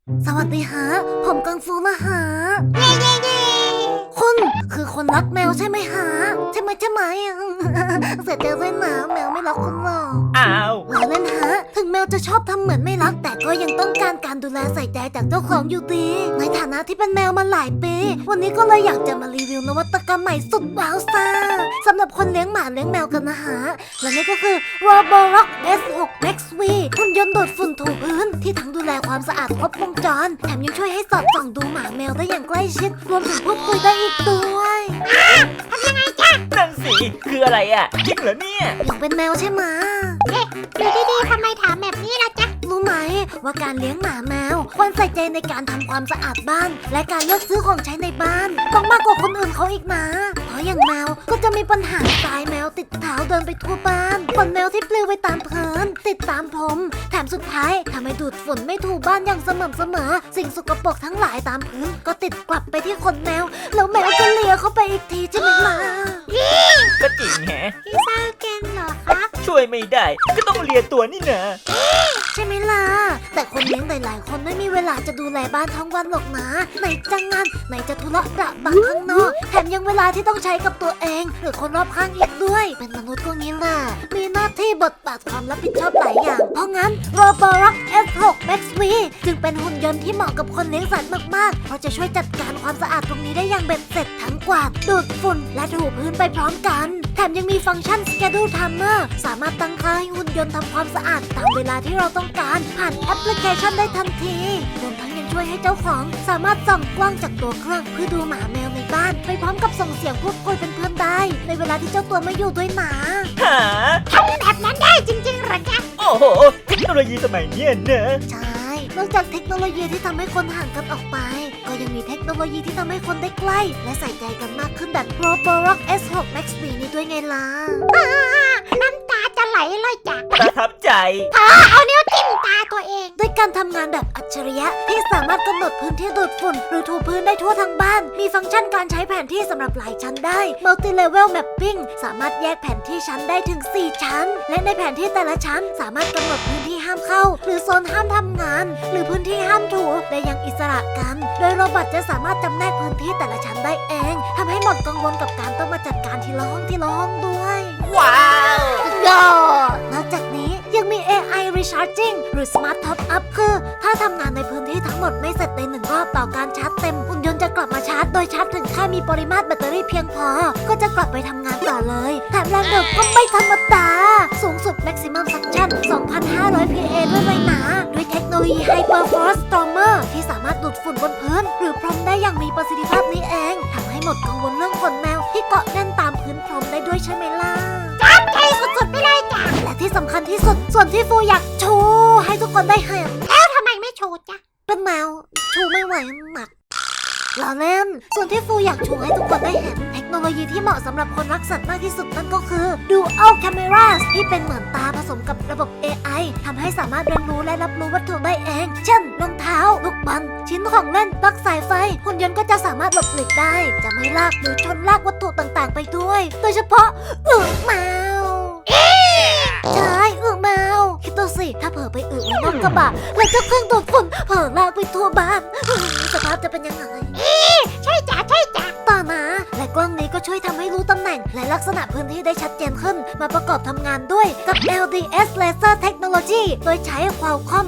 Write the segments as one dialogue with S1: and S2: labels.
S1: สวัสดีฮะผมกังฟูนะฮะ
S2: เย่เย่เย่
S1: คุณคือคนรักแมวใช่ไหมฮะใช่ไหมเสียใจด้วยนะแมวไม่รักคุณหรอก
S3: อ้าว
S1: เราเล่นฮะถึงแมวจะชอบทำเหมือนไม่รักแต่ก็ยังต้องการการดูแลใส่ใจจากเจ้าของอยู่ดีในฐานะที่เป็นแมวมาหลายปีวันนี้ก็เลยอยากจะมารีวิวนวัตกรรมใหม่สุดว้าวซ่าสำหรับคนเลี้ยงหมาเลี้ยงแมวกันนะฮะและนี่ก็คือ Roborock S6 Max V หุ่นยนต์ดูดฝุ่นถูพื้นที่ทั้งดูแลความสะอาดครบวงจรแถมยังช่วยให้สอดส่องดูหมาแมวได้อย่างใกล้ชิดรวมถึงพูดคุยได้อีกด้วย
S2: ทำยังไงจ๊ะ
S3: นั่นสิคืออะไรอ่ะจริงเหรอเนี่ย
S1: อยากเป็นแมวใช่ไหม
S2: ดูดีๆทำไมถามแบบนี้ล่ะจ๊ะ
S1: รู้ไหมว่าการเลี้ยงหมาแมวควรใส่ใจในการทำความสะอาดบ้าน และการเลือกซื้อของใช้ในบ้านต้องมากกว่าคนอื่นเขาอีกนะเพราะอย่างแมวก็จะมีปัญหาทรายแมวติดเท้าเดินไปทั่วบ้านขนแมวที่ปลิวไปตามพื้นติดตามผมแถมสุดท้ายทำให้ดูดฝุ่นไม่ถูบ้านอย่างสม่ำเสมอสิ่งสกปรกทั้งหลายตามพื้นก็ติดกลับไปที่ขนแมวแล้วแมวก็เลียเข้าไปอีกทีใช่ไหมล่ะ
S3: ก็จริงแฮะ
S2: พี่เศร้าเกนเหรอคะ
S3: ช่วยไม่ได้ก็ต้องเลียตัวนี่นะ
S1: ใช่ไหมล่ะแต่คนเลี้ยงหลายๆคนไม่มีเวลาจะดูแลบ้านทั้งวันหรอกนะไหนจะงานไหนจะธุระประบังข้างนอกแถมยังเวลาที่ต้องใช้กับตัวเองหรือคนรอบข้างอีกด้วยเป็นมนุษย์ก็งี้แหละมีหน้าที่บทบาทความรับผิดชอบหลายอย่างเพราะงั้น Roborock S6 Max V จึงเป็นหุ่นยนต์ที่เหมาะกับคนเลี้ยงสัตว์มากๆเพราะจะช่วยจัดการความสะอาดตรงนี้ได้อย่างเบ็ดเสร็จทั้งกวาดดูดฝุ่นและถูพื้นไปพร้อมกันแถมยังมีฟังก์ชัน Schedule Timer สามารถตั้งค่าให้หุ่นยนต์ทำความสะอาดตามเวลาที่เราต้องการผ่านแอปพลิเคชันได้ทันทีรวมทั้งยังช่วยให้เจ้าของสามารถส่องกล้องจากตัวเครื่องเพื่อดูหมาแมวในบ้านไปพร้อมกับส่งเสียงพูดคุยเป็นเพื่อนได้ในเวลาที่เจ้าตัวไม่อยู่ด้วยนะ
S3: หา
S2: ทำแบบนั้นได้จริงๆเหรอจ๊ะ
S3: โอ้โหเทคโนโลยีสมัยเนี้ยนะ
S1: ใช่ นอกจากเทคโนโลยีที่ทำให้คนห่างกันออกไป ก็ยังมีเทคโนโลยีที่ทำให้คนได้ใกล้ และใส่ใจกันมากขึ้นแบบ Roborock S6 Max V นี้ด้วยไงล่ะ
S2: น้ำตาจะไหลเลยจ้ะ
S3: ประทับใจ
S2: เอานิ้วจิ้มตาตัวเอง
S1: ด้วยการทำงานแบบอัจฉริยะที่สามารถกำหนดพื้นที่ดูดฝุ่นหรือถูพื้นได้ทั่วทั้งบ้าน มีฟังก์ชันการใช้แผนที่สำหรับหลายชั้นได้ Multi Level Mapping สามารถแยกแผนที่ชั้นได้ถึง 4 ชั้น และในแผนที่แต่ละชั้นสามารถกำหนดพื้นที่ห้ามเข้า หรือโซนห้ามทำงาน หรือพื้นที่ห้ามถูได้อย่างอิสระกัน โดยโรบอทจะสามารถจำแนกพื้นที่แต่ละชั้นได้เองทำให้หมดกังวลกับการต้องมาจัดการทีละห้องด้วย
S3: ว้าว
S1: ยอดนอกจากนี้ยังมี AI Recharging หรือ Smart Top Up คือถ้าทำงานในพื้นที่ทั้งหมดไม่เสร็จใน1 รอบต่อการชาร์จเต็มหุ่นยนต์จะกลับมาชาร์จโดยชาร์จถึงแค่มีปริมาตรแบตเตอรี่เพียงพอ ก็จะกลับไปทำงานต่อเลยแถมแรงดึกก็ไม่ธรรมดา สูงสุด Maximum Suction 2,500 PA ด้วยเลยนะด้วยเทคโนโลยี Hyperforce Stormer ที่สามารถดูดฝุ่นบนพื้น หรือพรมได้อย่างมีประสิทธิภาพนี้เองทำให้หมดกังวลเรื่องขนแมวที่เกาะแน่นตามพื้นพรมได้ด้วยใช่ไหมล่ะ
S2: จับใจสุดๆไปเลยจ้ะ
S1: และที่สำคัญที่สุดส่วนที่ฟูอยากโชว์ให้ทุกคนได้เห็น
S2: แล้วทำไมไม่โชว์จ๊ะ
S1: เป็นแมวชูไม่ไหวหนักเราเล่นส่วนที่ฟูอยากชูให้ทุกคนได้เห็นเทคโนโลยีที่เหมาะสำหรับคนรักสัตว์มากที่สุดนั่นก็คือ Dual Cameras ที่เป็นเหมือนตาผสมกับระบบ AI ทำให้สามารถเรียนรู้และรับรู้วัตถุได้เอง เช่นรองเท้าลูกบอลชิ้นของเล่นปลั๊กสายไฟหุ่นยนต์ก็จะสามารถหลบหลีกได้ จะไม่ลากหรือชนลากวัตถุต่างๆไปด้วย โดยเฉพาะแมวใช่แมวคิดดูสิถ้าเผลอไปไว้นอกกระบะแล้วเจ้าเครื่องดูดฝุ่นเผลอลากไปทั่วบ้านสภาพจะเป็นยังไง
S2: ใช่จ้ะใช่จ้ะ
S1: ต่อมาและกล้องนี้ก็ช่วยทำให้รู้ตำแหน่งและลักษณะพื้นที่ได้ชัดเจนขึ้นมาประกอบทำงานด้วยกับ LDS Laser Technology โดยใช้ Qualcomm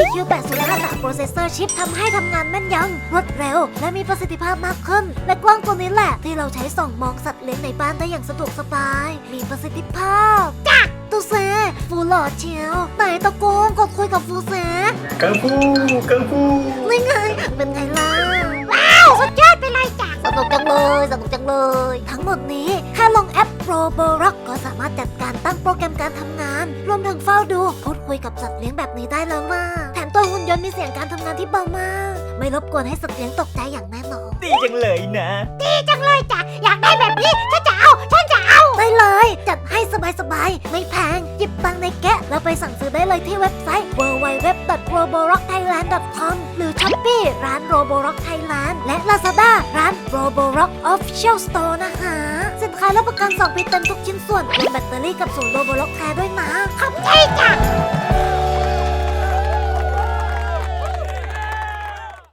S1: APQ805 Processor Chip ทำให้ทำงานแม่นยำรวดเร็วและมีประสิทธิภาพมากขึ้นและกล้องตัวนี้แหละที่เราใช้ส่องมองสัตว์เลี้ยงในบ้านได้อย่างสะดวกสบายมีประสิทธิภาพจ้ะตูเซฟูหล่อเชียวไหนตะโกนกดคุยกับฟูเซ
S3: กังฟูกังฟู
S1: นี่ไงเป็นไงล่ะ
S2: ว้าวสุดยอดไปเลยจ้ะ
S1: สนุกจังเลย ทั้งหมดนี้แค่ลงแอป Roborock ก็สามารถจัดการตั้งโปรแกรมการทำงาน รวมถึงเฝ้าดูพูดคุยกับสัตว์เลี้ยงแบบนี้ได้แล้วว่าแถมตัวหุ่นยนต์มีเสียงการทำงานที่เบามาก ไม่รบกวนให้สัตว์เลี้ยงตกใจอย่างแน่นอน
S3: ดีจังเลยนะ
S2: ดีจังเลยจ้ะ อยากได้แบบนี้ฉันจะเอา
S1: ได้เลย จัดให้สบายๆ ไม่แพงหยิบตังค์ในแกะแล้วไปสั่งซื้อได้เลยที่เว็บไซต์ www.roborockthailand.com หรือ Shopee ร้าน Roborock Thailand และ Lazada ร้าน Roborock Official Store นะคะสินค้ารับประกัน 2 ปีเต็มทุกชิ้นส่วนรวมแบตเตอรี่กับศูนย์ Roborock แท้ด้วยนะ
S2: ขอบใจจ้ะ